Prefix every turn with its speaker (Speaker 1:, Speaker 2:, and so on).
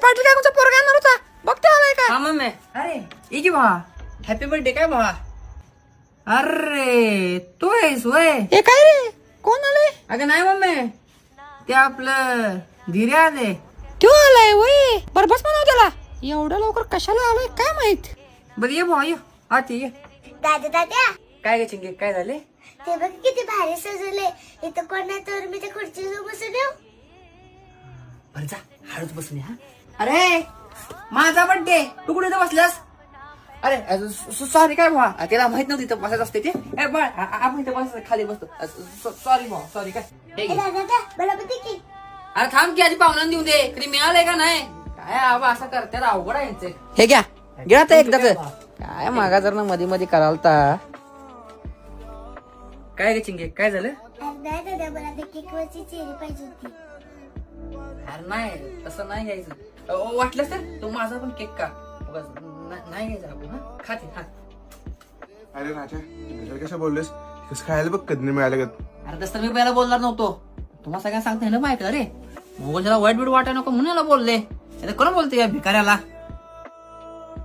Speaker 1: पाटील काकूचा पोरगा येणार होता, बघते आलाय का?
Speaker 2: हा मम्मी. अरे ये की भावा, हॅपी बर्थडे काय भावा? अरे तू आहेस वय?
Speaker 1: हे काय रे, कोण आले?
Speaker 2: अगं नाही मम्मी, ते आपलं धीरे आले.
Speaker 1: तो आलाय वय, बरं बस म्हणाव त्याला. एवढ्या लवकर कशाला आलाय काय माहित.
Speaker 2: बरं ये भावा, ये आत ये.
Speaker 3: दादा
Speaker 2: काय ग चिंगे, काय झाले?
Speaker 3: ते बघ किती भारी सजवले. इथं कोण नाही तर मी त्या खुर्चीवर बसून येऊ.
Speaker 2: बरं जा, हळूच बसून ये. हा अरे माझा बर्थडे, तू कुठे इथं बसलास? अरे सॉरी काय भावा, त्याला माहित नव्हतं इथं बसायचं असते ते. ए बळ, आपण इथं बसायचं खाली बसतो. सॉरी भावा, सॉरी. काय हे घे.
Speaker 3: दादा मला पण दे की.
Speaker 2: अरे थांब की आधी पाहुण्यांना देऊ दे, कधी मिळालंय का नाही? काय आबा असं करतात, अवघड आहे यांचे.
Speaker 1: हे घ्या घ्या आता एकदाच. काय मागा जर ना मध्ये मध्ये करालता.
Speaker 2: काय गे चिंगे, काय झालं?
Speaker 3: नाही दादा, मला ते केक वरची चेरी पाहिजे होती.
Speaker 2: अरे नाही, तसं नाही घ्यायचं. वाटलं तर तू माझा पण केक का नाही घ्यायचा आपण. हा खाते. हा
Speaker 4: अरे राजा, घरी कसं बोललेस? कसं खायला बघ, कधी मिळालं का?
Speaker 2: अरे तसं मी पहिला बोलणार नव्हतो. तुम्हाला सगळ्यांना सांगते ना माहिती. अरे मोगलच्याला वाईट बीट वाटाय नको म्हणून याला बोलले. कोण बोलते या भिकाऱ्याला?